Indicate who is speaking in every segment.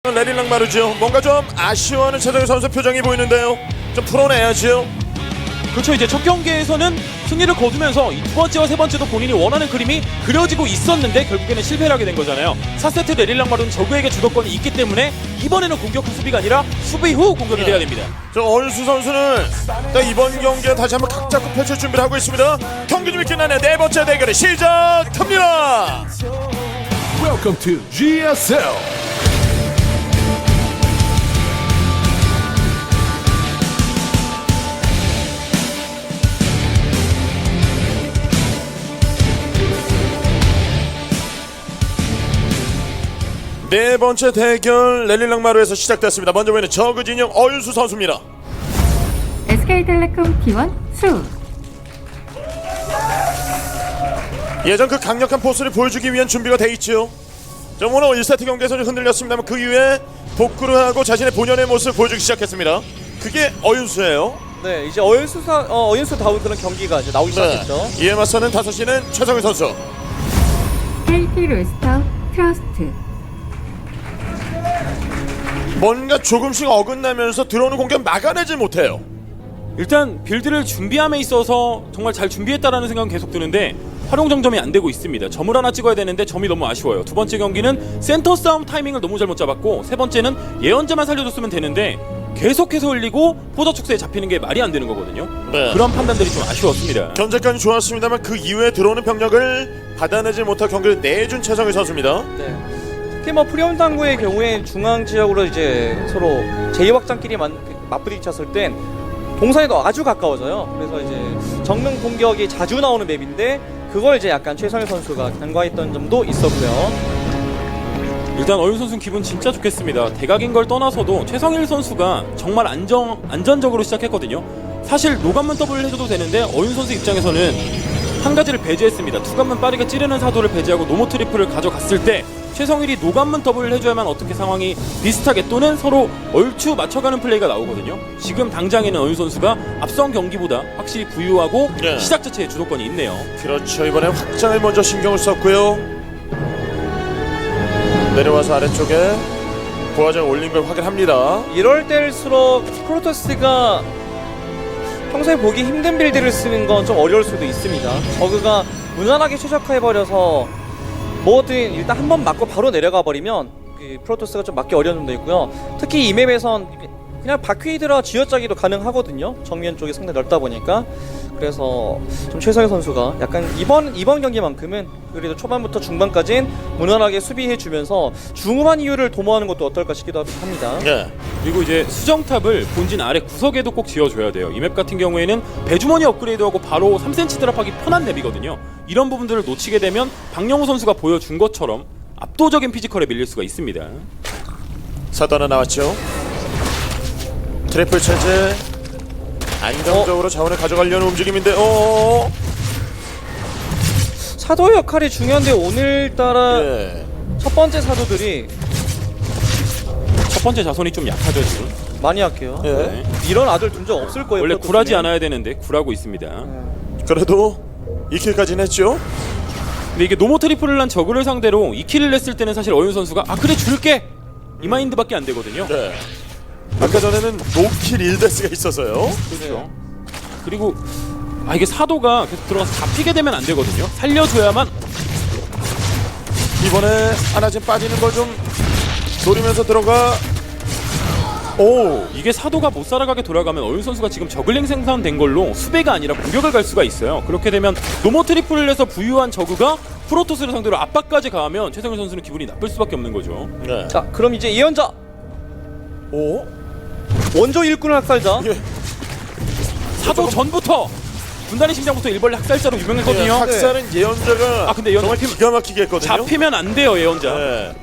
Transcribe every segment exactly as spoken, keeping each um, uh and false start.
Speaker 1: 레릴랑 마르죠. 뭔가 좀 아쉬워하는 최정희 선수 표정이 보이는데요. 좀 풀어내야죠.
Speaker 2: 그렇죠. 이제 첫 경기에서는 승리를 거두면서 이 두 번째와 세 번째도 본인이 원하는 그림이 그려지고 있었는데 결국에는 실패를 하게 된 거잖아요. 사 세트 레릴랑 마르는 적에게 주도권이 있기 때문에 이번에는 공격 후 수비가 아니라 수비 후 공격이 돼야 됩니다.
Speaker 1: 저 얼수 선수는 딱 이번 경기에 다시 한번 각 잡고 펼칠 준비를 하고 있습니다. 경기 좀 끝나네. 네 번째 대결이 시작합니다.
Speaker 3: Welcome to 지에스엘.
Speaker 1: 네 번째 대결 레릴랑 마루에서 시작됐습니다. 먼저 보이는 저그 진영 얼수 선수입니다.
Speaker 4: 에스케이텔레콤 티원 수.
Speaker 1: 예전 그 강력한 포스를 보여주기 위한 준비가 돼 있죠. 자, 오늘 일 세트 경기에서는 흔들렸습니다만 그 이후에 복구를 하고 자신의 본연의 모습을 보여주기 시작했습니다. 그게 어윤수예요.
Speaker 5: 네, 이제 어윤수사 어, 어윤수다운 그런 경기가 이제 나오기 시작했죠.
Speaker 1: 이에 맞서는 다섯 시는 최정희 선수.
Speaker 4: 케이티 로스터 트러스트.
Speaker 1: 뭔가 조금씩 어긋나면서 들어오는 공격 막아내지 못해요.
Speaker 2: 일단 빌드를 준비함에 있어서 정말 잘 준비했다라는 생각은 계속 드는데 활용 정점이 안 되고 있습니다. 점을 하나 찍어야 되는데 점이 너무 아쉬워요. 두 번째 경기는 센터 싸움 타이밍을 너무 잘못 잡았고 세 번째는 예언자만 살려줬으면 되는데 계속해서 흘리고 포자 축세에 잡히는 게 말이 안 되는 거거든요.
Speaker 1: 네.
Speaker 2: 그런 판단들이 좀 아쉬웠습니다.
Speaker 1: 견제까지 좋았습니다만 그 이후에 들어오는 병력을 받아내지 못할 경기를 내준 최정희 선수입니다.
Speaker 5: 네. 특히 뭐 프리온 당구의 경우에 중앙 지역으로 이제 서로 제이 확장끼리 맞부딪혔을 땐 동선에도 아주 가까워져요. 그래서 이제 정면 공격이 자주 나오는 맵인데 그걸 이제 약간 최성일 선수가 간과했던 점도 있었고요.
Speaker 2: 일단 어윤 선수는 기분 진짜 좋겠습니다. 대각인 걸 떠나서도 최성일 선수가 정말 안정, 안전적으로 시작했거든요. 사실 노감만 더블을 해줘도 되는데 어윤 선수 입장에서는 한 가지를 배제했습니다. 투감만 빠르게 찌르는 사도를 배제하고 노모 트리플을 가져갔을 때 최성일이 노감만 더블을 해줘야만 어떻게 상황이 비슷하게 또는 서로 얼추 맞춰가는 플레이가 나오거든요. 지금 당장에는 어윤 선수가 앞선 경기보다 확실히 부유하고
Speaker 1: 네.
Speaker 2: 시작 자체에 주도권이 있네요.
Speaker 1: 그렇죠. 이번에 확장을 먼저 신경을 썼고요. 내려와서 아래쪽에 부하장 올린 걸 확인합니다.
Speaker 5: 이럴 때일수록 프로토스가 평소에 보기 힘든 빌드를 쓰는 건 좀 어려울 수도 있습니다. 저그가 무난하게 최적화해버려서 뭐든 일단 한 번 맞고 바로 내려가 버리면 그 프로토스가 좀 맞기 어려운 점도 있고요. 특히 이 맵에선 그냥 바퀴드라 쥐어짜기도 가능하거든요. 정면 쪽이 상당히 넓다 보니까. 그래서 좀 최성희 선수가 약간 이번 이번 경기만큼은 그래도 초반부터 중반까지는 무난하게 수비해주면서 중후반 이유를 도모하는 것도 어떨까 싶기도 합니다.
Speaker 1: 네.
Speaker 2: 그리고 이제 수정탑을 본진 아래 구석에도 꼭 지어줘야 돼요. 이 맵 같은 경우에는 배주머니 업그레이드하고 바로 삼 센티미터 드랍하기 편한 맵이거든요. 이런 부분들을 놓치게 되면 박영호 선수가 보여준 것처럼 압도적인 피지컬에 밀릴 수가 있습니다.
Speaker 1: 사도 하나 나왔죠. 트리플 체제 안정적으로 어? 자원을 가져가려는 움직임인데 어
Speaker 5: 사도 역할이 중요한데 오늘따라
Speaker 1: 네.
Speaker 5: 첫 번째 사도들이
Speaker 2: 첫 번째 자손이 좀 약하죠 지금.
Speaker 5: 많이 약해요.
Speaker 1: 네.
Speaker 2: 네.
Speaker 5: 이런 아들 둔 적 없을 거예요.
Speaker 2: 원래
Speaker 5: 프로토스는.
Speaker 2: 굴하지 않아야 되는데 굴하고 있습니다.
Speaker 1: 그래도 이 킬까지는 했죠.
Speaker 2: 근데 이게 노모 트리플을 한 저그를 상대로 이 킬을 냈을 때는 사실 어윤 선수가 아 그래 줄게 이 마인드밖에 안 되거든요.
Speaker 1: 네. 아까 전에는 노킬 일 데스가 있어서요.
Speaker 2: 그렇죠. 그리고 아 이게 사도가 계속 들어가서 잡히게 되면 안 되거든요. 살려줘야만.
Speaker 1: 이번에 하나 지금 빠지는 걸 좀 노리면서 들어가. 오
Speaker 2: 이게 사도가 못 살아가게 돌아가면 어윤 선수가 지금 저글링 생산된 걸로 수배가 아니라 공격을 갈 수가 있어요. 그렇게 되면 노모 트리플을 해서 부유한 저그가 프로토스를 상대로 압박까지 가하면 최성일 선수는 기분이 나쁠 수밖에 없는 거죠.
Speaker 1: 네.
Speaker 5: 자, 그럼 이제 예언자
Speaker 1: 오
Speaker 5: 원조 일꾼을 학살자.
Speaker 1: 예.
Speaker 2: 사도 전부터 분단의 심장부터 일벌레 학살자로 유명했거든요.
Speaker 1: 네, 학살은 예언자가
Speaker 2: 아, 근데 예언자
Speaker 1: 정말 기가 막히게 했거든요.
Speaker 2: 잡히면 안 돼요 예언자.
Speaker 1: 네.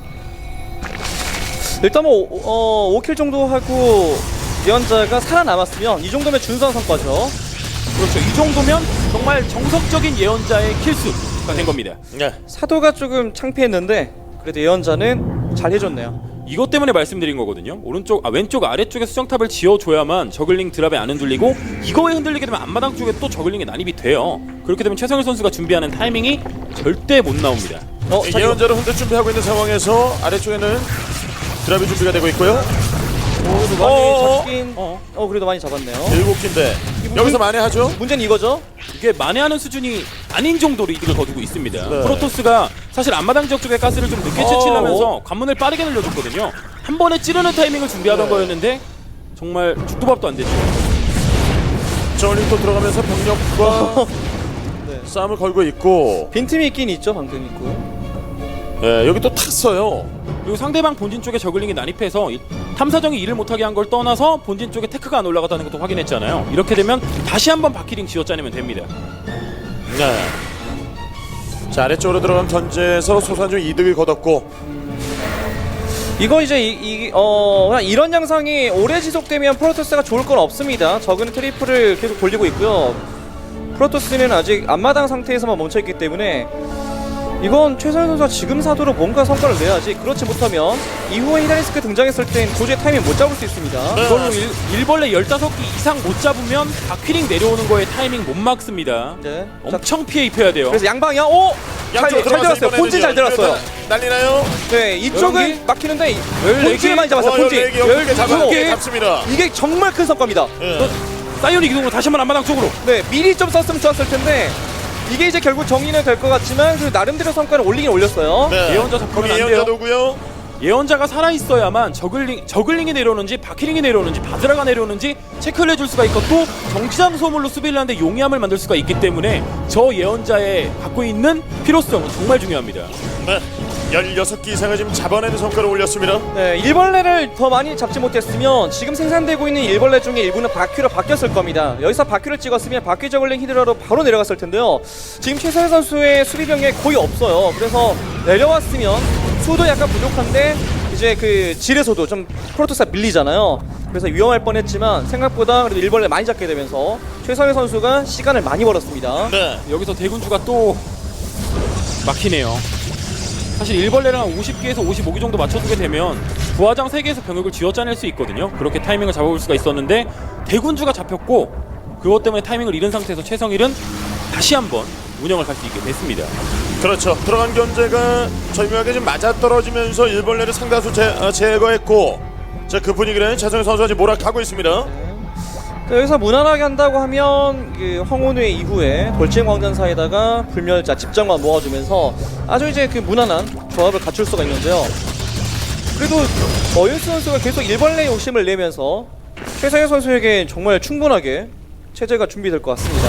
Speaker 5: 일단 뭐 어, 오 킬 정도 하고 예언자가 살아남았으면 이 정도면 준수한 성과죠.
Speaker 2: 그렇죠. 이 정도면 정말 정석적인 예언자의 킬수가 된 겁니다.
Speaker 1: 네.
Speaker 5: 사도가 조금 창피했는데 그래도 예언자는 잘 해줬네요.
Speaker 2: 이것 때문에 말씀드린 거거든요. 오른쪽, 아 왼쪽 아래쪽에 수정탑을 지어줘야만 저글링 드랍에 안 흔들리고 이거에 흔들리게 되면 앞마당 쪽에 또 저글링이 난입이 돼요. 그렇게 되면 최성일 선수가 준비하는 타이밍이 절대 못 나옵니다.
Speaker 5: 어, 자,
Speaker 1: 예언자로 흔들 준비하고 있는 상황에서 아래쪽에는 드랍이 준비가 되고 있고요.
Speaker 5: 그래도 많이
Speaker 1: 어어어.
Speaker 5: 잡긴
Speaker 2: 어.
Speaker 5: 어 그래도 많이 잡았네요.
Speaker 1: 일곱 개인데
Speaker 5: 이분-
Speaker 1: 여기서 만회하죠.
Speaker 5: 문제는 이거죠.
Speaker 2: 이게 만회하는 수준이 아닌 정도로 이득을 거두고 있습니다.
Speaker 1: 네.
Speaker 2: 프로토스가 사실 앞마당 지역 쪽에 가스를 좀 늦게
Speaker 5: 어.
Speaker 2: 채취하면서 관문을 빠르게 늘려줬거든요. 한 번에 찌르는 타이밍을 준비하던
Speaker 1: 네.
Speaker 2: 거였는데 정말 죽도 밥도 안 됐죠.
Speaker 1: 저울링 또 들어가면서 병력과
Speaker 5: 네.
Speaker 1: 싸움을 걸고 있고
Speaker 5: 빈틈이 있긴 있죠. 방금 있고.
Speaker 1: 예, 여기 또 탔어요.
Speaker 2: 그리고 상대방 본진 쪽에 저글링이 난입해서 이 탐사정이 일을 못하게 한 걸 떠나서 본진 쪽에 테크가 안 올라갔다는 것도 확인했잖아요. 이렇게 되면 다시 한번 바퀴링 쥐어짜내면 됩니다.
Speaker 1: 네. 자, 아래쪽으로 들어간 견제에서 소산중 이득을 거뒀고
Speaker 5: 이거 이제 이, 이, 어, 그냥 이런 양상이 오래 지속되면 프로토스가 좋을 건 없습니다. 적은 트리플을 계속 돌리고 있고요. 프로토스는 아직 앞마당 상태에서만 멈춰있기 때문에 이건 최선현 선수가 지금 사도로 뭔가 성과를 내야지. 그렇지 못하면 이후에 히다리스크 등장했을 땐 도저히 타이밍 못 잡을 수 있습니다.
Speaker 1: 네.
Speaker 2: 이걸로 일, 일벌레 열다섯 기 이상 못 잡으면 바퀴링 내려오는 거에 타이밍 못 막습니다.
Speaker 5: 네. 자,
Speaker 2: 엄청 피해 입혀야 돼요.
Speaker 5: 그래서 양방이야. 오! 잘,
Speaker 1: 양쪽으로
Speaker 5: 잘
Speaker 1: 들어가서
Speaker 5: 들었어요. 본진 잘
Speaker 1: 이번에는요.
Speaker 5: 들었어요.
Speaker 1: 난리나요?
Speaker 5: 네, 이쪽은
Speaker 2: 열한 개?
Speaker 5: 막히는데
Speaker 2: 열네
Speaker 5: 본진을
Speaker 2: 개?
Speaker 5: 많이 잡았어요.
Speaker 1: 어,
Speaker 5: 본진.
Speaker 1: 열네 개, 열두 개 잡아-
Speaker 5: 개.
Speaker 1: 잡습니다.
Speaker 5: 이게 정말 큰 성과입니다.
Speaker 1: 예.
Speaker 2: 사이오닉 이동으로 다시 한번 앞마당 쪽으로.
Speaker 5: 네, 미리 좀 썼으면 좋았을 텐데 이게 이제 결국 정리는 될 것 같지만 그 나름대로 성과를 올리긴 올렸어요.
Speaker 1: 네.
Speaker 2: 예언자 잡히면
Speaker 1: 거기
Speaker 2: 안 돼요.
Speaker 1: 예언자도 오고요.
Speaker 2: 예언자가 살아있어야만 저글링, 저글링이 내려오는지 바퀴링이 내려오는지 바드라가 내려오는지 체크를 해줄 수가 있고 또 정치장 소물로 수비를 하는데 용이함을 만들 수가 있기 때문에 저 예언자의 갖고 있는 필요성은 정말 중요합니다.
Speaker 1: 네. 열여섯 개 이상을 지금 잡아내는 성과를 올렸습니다.
Speaker 5: 네, 일벌레를 더 많이 잡지 못했으면 지금 생산되고 있는 일벌레 중에 일부는 바퀴로 바뀌었을 겁니다. 여기서 바퀴를 찍었으면 바퀴 저글링 히드라로 바로 내려갔을 텐데요. 지금 최서현 선수의 수비 병력이 거의 없어요. 그래서 내려왔으면 수도 약간 부족한데 이제 그 질에서도 좀 프로토스가 밀리잖아요. 그래서 위험할 뻔했지만 생각보다 그래도 일벌레 많이 잡게 되면서 최서현 선수가 시간을 많이 벌었습니다.
Speaker 1: 네.
Speaker 2: 여기서 대군주가 또 막히네요. 사실 일벌레를 한 오십 개에서 오십오 개 정도 맞춰주게 되면 부하장 세 개에서 병력을 쥐어짜낼 수 있거든요. 그렇게 타이밍을 잡아볼 수가 있었는데 대군주가 잡혔고 그것 때문에 타이밍을 잃은 상태에서 최성일은 다시 한번 운영을 갈 수 있게 됐습니다.
Speaker 1: 그렇죠. 들어간 견제가 절묘하게 좀 맞아떨어지면서 일벌레를 상다수 제, 어, 제거했고 자, 그 분위기는 최성일 선수가 지금 몰아가고 있습니다.
Speaker 5: 자, 여기서 무난하게 한다고 하면 그 황혼회 이후에 돌진 광전사에다가 불멸자 집정관 모아주면서 아주 이제 그 무난한 조합을 갖출 수가 있는데요. 그래도 어윤수 선수가 계속 일벌레 욕심을 내면서 최성현 선수에게 정말 충분하게 체제가 준비될 것 같습니다.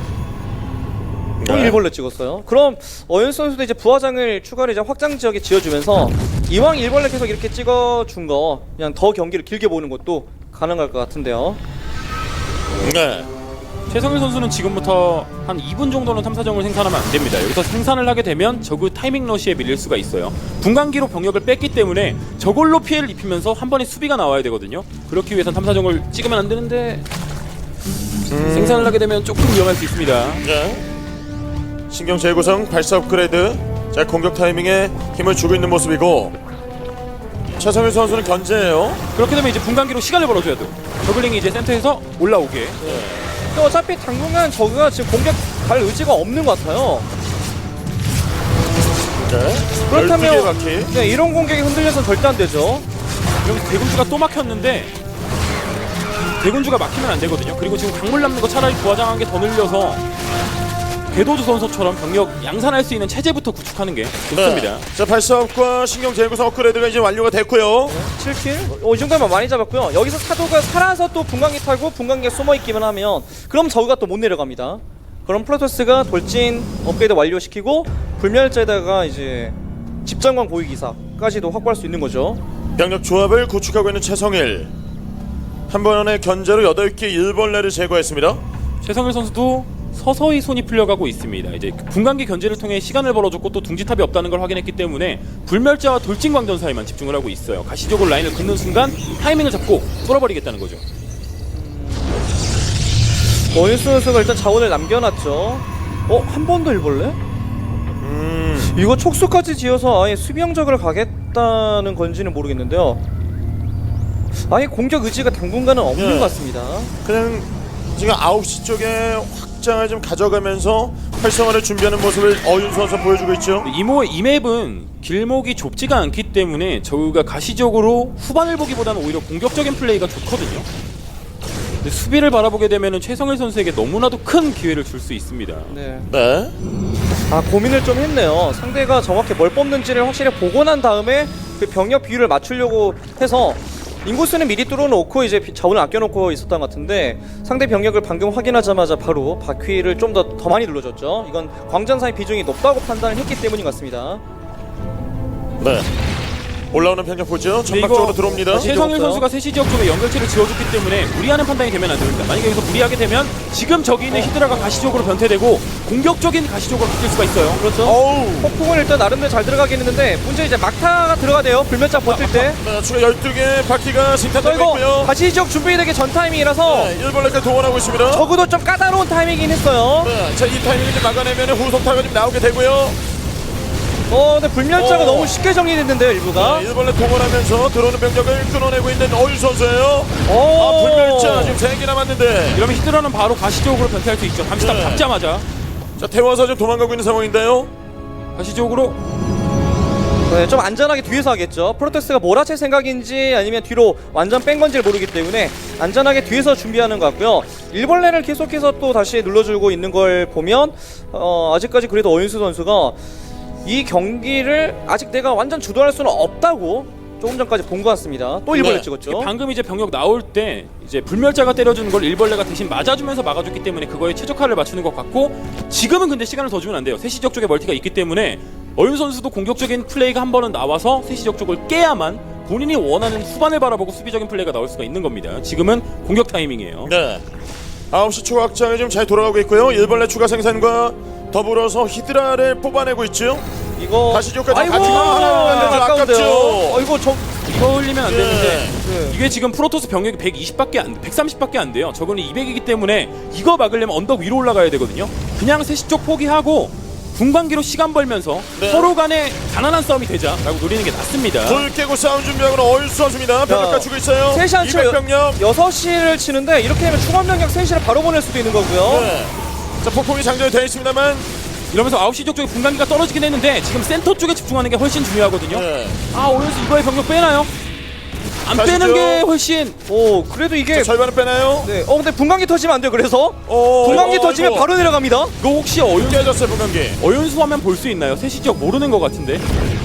Speaker 5: 또
Speaker 1: 네.
Speaker 5: 일벌레 찍었어요. 그럼 어윤수 선수도 이제 부하장을 추가로 이제 확장 지역에 지어주면서 이왕 일벌레 계속 이렇게 찍어준 거 그냥 더 경기를 길게 보는 것도 가능할 것 같은데요.
Speaker 1: 네.
Speaker 2: 최성일 선수는 지금부터 한 이 분 정도는 탐사정을 생산하면 안 됩니다. 여기서 생산을 하게 되면 저그 타이밍 러시에 밀릴 수가 있어요. 분광기로 병력을 뺐기 때문에 저걸로 피해를 입히면서 한 번에 수비가 나와야 되거든요. 그렇기 위해선 탐사정을 찍으면 안 되는데 음... 생산을 하게 되면 조금 위험할 수 있습니다.
Speaker 1: 네. 신경 재구성 발사 업그레이드. 자, 공격 타이밍에 힘을 주고 있는 모습이고 최성일 선수는 견제예요.
Speaker 2: 그렇게 되면 이제 분광기로 시간을 벌어줘야 돼요. 저글링이 이제 센터에서 올라오게.
Speaker 5: 근데 어차피 당분간 저그가 지금 공격 갈 의지가 없는 것 같아요.
Speaker 1: 네.
Speaker 5: 그렇다면-
Speaker 1: 열두 개 바퀴.
Speaker 5: 네, 이런 공격이 흔들려서는 절대 안 되죠.
Speaker 2: 여기서 대군주가 또 막혔는데 대군주가 막히면 안 되거든요. 그리고 지금 강물 남는 거 차라리 부하장 한 개 더 늘려서 궤도주 선수처럼 병력 양산할 수 있는 체제부터 구축하는 게 좋습니다.
Speaker 1: 네. 자, 발사업과 신경 재구성 업그레이드가 이제 완료가 됐고요.
Speaker 5: 칠 킬? 어, 이 정도면 많이 잡았고요. 여기서 사도가 살아서 또 분광기 타고 분광기에 숨어있기만 하면 그럼 저그가 또 못 내려갑니다. 그럼 프로토스가 돌진 업그레이드 완료시키고 불멸자에다가 이제 집정관 고위기사까지도 확보할 수 있는 거죠.
Speaker 1: 병력 조합을 구축하고 있는 최성일. 한 번의 견제로 여덟 개 일벌레를 제거했습니다.
Speaker 2: 최성일 선수도 서서히 손이 풀려가고 있습니다. 이제 분광기 견제를 통해 시간을 벌어줬고 또 둥지탑이 없다는 걸 확인했기 때문에 불멸자와 돌진광전사에만 집중을 하고 있어요. 가시적으로 라인을 긋는 순간 타이밍을 잡고 뚫어버리겠다는 거죠.
Speaker 5: 어윤수 선수가 일단 자원을 남겨놨죠. 어? 한 번 더 일벌레?
Speaker 1: 음.
Speaker 5: 이거 촉수까지 지어서 아예 수비형적으로 가겠다는 건지는 모르겠는데요. 아예 공격 의지가 당분간은 없는
Speaker 1: 네.
Speaker 5: 것 같습니다.
Speaker 1: 그냥 지금 아홉 시 쪽에 확 확장을 좀 가져가면서 활성화를 준비하는 모습을 어윤수 선수 보여주고 있죠.
Speaker 2: 이모 이 맵은 길목이 좁지가 않기 때문에 저우가 가시적으로 후반을 보기보다는 오히려 공격적인 플레이가 좋거든요. 근데 수비를 바라보게 되면은 최성일 선수에게 너무나도 큰 기회를 줄 수 있습니다.
Speaker 5: 네.
Speaker 1: 네.
Speaker 5: 아 고민을 좀 했네요. 상대가 정확히 뭘 뽑는지를 확실히 보고 난 다음에 그 병력 비율을 맞추려고 해서 인구수는 미리 뚫어놓고 이제 비- 자원을 아껴놓고 있었던 것 같은데 상대 병력을 방금 확인하자마자 바로 바퀴를 좀 더 더 많이 눌러줬죠. 이건 광전사의 비중이 높다고 판단을 했기 때문인 것 같습니다.
Speaker 1: 네. 올라오는 병력 보죠.
Speaker 2: 근데
Speaker 1: 전방 쪽으로
Speaker 2: 이거
Speaker 1: 들어옵니다.
Speaker 2: 최성일
Speaker 5: 없어요.
Speaker 2: 선수가 세시 지역 쪽에 연결체를 지어줬기 때문에 무리하는 판단이 되면 안 됩니다. 만약에 여기서 무리하게 되면 지금 저기 있는 히드라가 가시적으로 변태되고 공격적인 가시적으로 바뀔 수가 있어요.
Speaker 5: 그렇죠.
Speaker 1: 어우.
Speaker 5: 폭풍은 일단 나름대로 잘 들어가긴 했는데 문제 이제 막타가 들어가야 돼요. 불면자 버틸 때.
Speaker 1: 네, 추가 열두 개 바퀴가
Speaker 5: 저
Speaker 1: 생산되고
Speaker 5: 이거
Speaker 1: 있고요.
Speaker 5: 다시 지역 준비되기 전 타이밍이라서
Speaker 1: 네, 일벌레까지 동원하고 있습니다.
Speaker 5: 적어도 좀 까다로운 타이밍이긴 했어요.
Speaker 1: 네, 자, 이 타이밍을 좀 막아내면 후속타가 좀 나오게 되고요.
Speaker 5: 어 근데 불면자가
Speaker 1: 어.
Speaker 5: 너무 쉽게 정리됐는데요 일부가.
Speaker 1: 네, 일벌레 동원하면서 들어오는 병력을 끊어내고 있는 어윤 선수예요.
Speaker 5: 오.
Speaker 1: 아, 불멸자 지금 세 개 남았는데.
Speaker 2: 이러면 히드라는 바로 가시적으로 변태할 수 있죠. 잠시 딱
Speaker 1: 네.
Speaker 2: 잡자마자
Speaker 1: 자, 태워서 지금 도망가고 있는 상황인데요.
Speaker 2: 가시적으로
Speaker 5: 네, 좀 안전하게 뒤에서 하겠죠. 프로토스가 몰아칠 생각인지 아니면 뒤로 완전 뺀 건지를 모르기 때문에 안전하게 뒤에서 준비하는 것 같고요. 일벌레를 계속해서 또 다시 눌러주고 있는 걸 보면 어, 아직까지 그래도 어윤수 선수가 이 경기를 아직 내가 완전 주도할 수는 없다고 조금 전까지 본 것 같습니다. 또 일벌레
Speaker 1: 네.
Speaker 5: 찍었죠.
Speaker 2: 방금 이제 병력 나올 때 이제 불멸자가 때려주는 걸 일벌레가 대신 맞아주면서 막아줬기 때문에 그거에 최적화를 맞추는 것 같고 지금은 근데 시간을 더 주면 안 돼요. 세시적 쪽에 멀티가 있기 때문에 어윤 선수도 공격적인 플레이가 한 번은 나와서 세시적 쪽을 깨야만 본인이 원하는 후반을 바라보고 수비적인 플레이가 나올 수가 있는 겁니다. 지금은 공격 타이밍이에요.
Speaker 1: 네. 아홉 시 추가 확장이 좀 잘 돌아가고 있고요. 일벌레 추가 생산과 더불어서 히드라를 뽑아내고 있죠.
Speaker 5: 이거
Speaker 1: 다시 지역까지
Speaker 5: 아이고
Speaker 1: 같이 가면 좀
Speaker 5: 아까운데요.
Speaker 1: 아깝죠.
Speaker 5: 어, 이거 저
Speaker 2: 이거 흘리면 안 되는데
Speaker 5: 네.
Speaker 2: 이게 지금 프로토스 병력이 백이십밖에 안, 백삼십밖에 안 돼요. 저거는 이백이기 때문에 이거 막으려면 언덕 위로 올라가야 되거든요. 그냥 세시 쪽 포기하고 분광기로 시간 벌면서
Speaker 1: 네.
Speaker 2: 서로 간에 가난한 싸움이 되자라고 노리는 게 낫습니다.
Speaker 1: 불 깨고 싸움 준비하고는 어윤수 선수입니다. 병력 갖추고 있어요.
Speaker 5: 셋이 안
Speaker 1: 이백
Speaker 5: 쳐요.
Speaker 1: 병력.
Speaker 5: 여섯 시를 치는데 이렇게 되면 충원 병력 셋 시를 바로 보낼 수도 있는 거고요.
Speaker 1: 네. 자, 폭풍이 장전이 되어 있습니다만.
Speaker 2: 이러면서 아홉 시 쪽 쪽에 분광기가 떨어지긴 했는데 지금 센터 쪽에 집중하는 게 훨씬 중요하거든요.
Speaker 1: 네.
Speaker 2: 아 오연수 이거에 병력 빼나요? 안
Speaker 1: 가시죠.
Speaker 2: 빼는 게 훨씬
Speaker 5: 오 그래도 이게
Speaker 1: 자, 절반은 빼나요?
Speaker 5: 네. 어 근데 분광기 터지면 안 돼요. 그래서
Speaker 1: 어,
Speaker 5: 분광기
Speaker 1: 어,
Speaker 5: 터지면
Speaker 1: 이거.
Speaker 5: 바로 내려갑니다.
Speaker 2: 이거 혹시 어윤수
Speaker 1: 깨졌어요, 분광기.
Speaker 2: 어윤수 하면 볼 수 있나요? 세시 지역 모르는 것 같은데.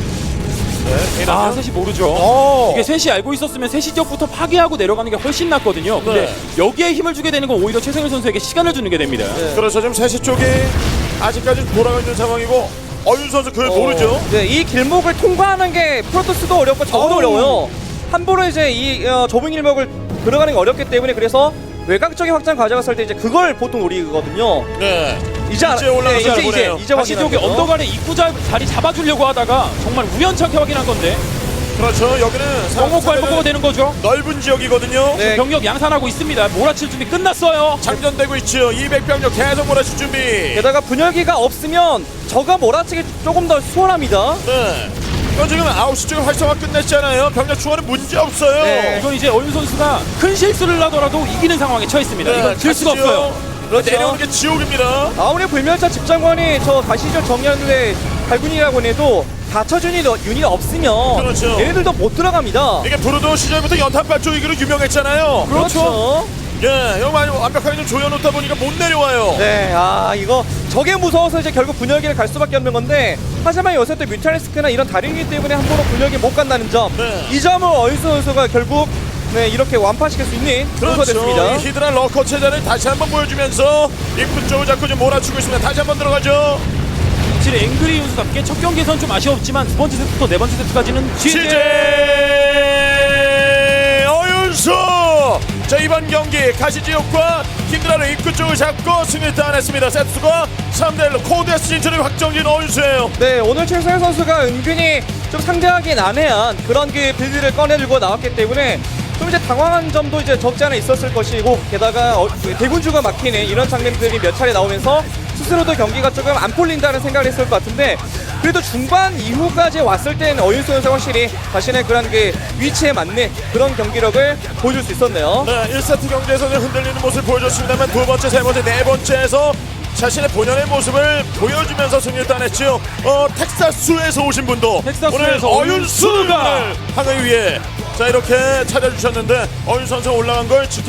Speaker 1: 네.
Speaker 2: 아 셋이 모르죠.
Speaker 1: 어.
Speaker 2: 이게 셋이 알고 있었으면 셋이 지역부터 파괴하고 내려가는 게 훨씬 낫거든요. 근데
Speaker 1: 네.
Speaker 2: 여기에 힘을 주게 되는 건 오히려 최성일 선수에게 시간을 주는 게 됩니다.
Speaker 5: 네.
Speaker 1: 그래서 지금 세 시 쪽이 아직까지 돌아가 있는 상황이고 어윤 선수 그걸 모르죠.
Speaker 5: 네, 이 길목을 통과하는 게 프로토스도 어렵고 저도
Speaker 1: 어우.
Speaker 5: 어려워요. 함부로 이제 이 어, 좁은 길목을 들어가는 게 어렵기 때문에 그래서 외곽적인 확장 가져갔을 때 이제 그걸 보통 노리거든요.
Speaker 1: 네.
Speaker 5: 이제 알아-
Speaker 1: 이제 올라가서
Speaker 5: 네, 이제
Speaker 1: 알아보네요.
Speaker 5: 이제 이제
Speaker 2: 다시 저기
Speaker 5: 확인하는 거죠.
Speaker 2: 언덕 아래 입구 자, 자리 잡아주려고 하다가 정말 우연찮게 확인한 건데
Speaker 1: 그렇죠. 여기는
Speaker 2: 정목 발목가 되는 거죠.
Speaker 1: 넓은 지역이거든요.
Speaker 5: 네.
Speaker 2: 병력 양산하고 있습니다. 몰아칠 준비 끝났어요.
Speaker 1: 장전되고 있죠. 이백 병력 계속 몰아칠 준비.
Speaker 5: 게다가 분열기가 없으면 저가 몰아치기 조금 더 수월합니다.
Speaker 1: 네. 이건 지금 아홉 시 쪽에 활성화 끝냈잖아요. 병력 추가는 문제 없어요.
Speaker 5: 네.
Speaker 2: 이건 이제 어윤 선수가 큰 실수를 하더라도 이기는 상황에 처했습니다.
Speaker 1: 네,
Speaker 2: 이건 질 수가
Speaker 1: 가시죠.
Speaker 2: 없어요.
Speaker 5: 그렇죠.
Speaker 1: 내려오는 게 지옥입니다.
Speaker 5: 아무리 불멸자 집장관이 저 가시적 정리하는데 발군이라고 해도 받쳐준 유닛 없으면
Speaker 1: 그렇죠.
Speaker 5: 얘네들도 못 들어갑니다.
Speaker 1: 이게 브루도 시절부터 연탄발 쪼이기로 유명했잖아요.
Speaker 5: 그렇죠.
Speaker 1: 예, 이거 많이 완벽하게 좀 조여놓다 보니까 못 내려와요.
Speaker 5: 네, 아 이거 저게 무서워서 이제 결국 분열기를 갈 수밖에 없는 건데 하지만 요새 또 뮤탈리스크나 이런 다른 유닛 때문에 함부로 분열기 못 간다는 점,
Speaker 1: 네.
Speaker 5: 이 점을 어윤수 선수가 결국 네 이렇게 완파시킬 수 있는 선수가
Speaker 1: 그렇죠.
Speaker 5: 됐습니다.
Speaker 1: 이 히드라 러커 체제를 다시 한번 보여주면서 입구 쪽을 자꾸 좀 몰아치고 있습니다. 다시 한번 들어가죠.
Speaker 2: 확실히 앵그리 윤수답게 첫 경기에선 좀 아쉬웠지만 두 번째 세트부터 네 번째 세트까지는
Speaker 1: 시제 어윤수. 자, 이번 경기 가시지옥과 히드라를 입구 쪽을 잡고 승리를 따냈습니다. 세트수가 삼 대 일로 코드에스 진출을 확정진 어윤수예요.
Speaker 5: 네, 오늘 최성현 선수가 은근히 좀 상대하기 난해한 그런 그 빌드를 꺼내들고 나왔기 때문에 좀 이제 당황한 점도 이제 적지 않아 있었을 것이고 게다가 어, 그 대군주가 막히는 이런 장면들이 몇 차례 나오면서 스스로도 경기가 조금 안 풀린다는 생각을 했을 것 같은데 그래도 중반 이후까지 왔을 때는 어윤수 선수가 확실히 자신의 그런 그 위치에 맞는 그런 경기력을 보여줄 수 있었네요.
Speaker 1: 네, 일 세트 경기에서는 흔들리는 모습을 보여줬습니다만 두 번째, 세 번째, 네 번째에서 자신의 본연의 모습을 보여주면서 승리를 따냈죠. 어, 텍사스에서 오신 분도
Speaker 2: 텍사스에서
Speaker 1: 오늘
Speaker 2: 어윤수가
Speaker 1: 어윤수를 하기 위해 자 이렇게 찾아주셨는데 어윤 선수 올라간 걸 지켜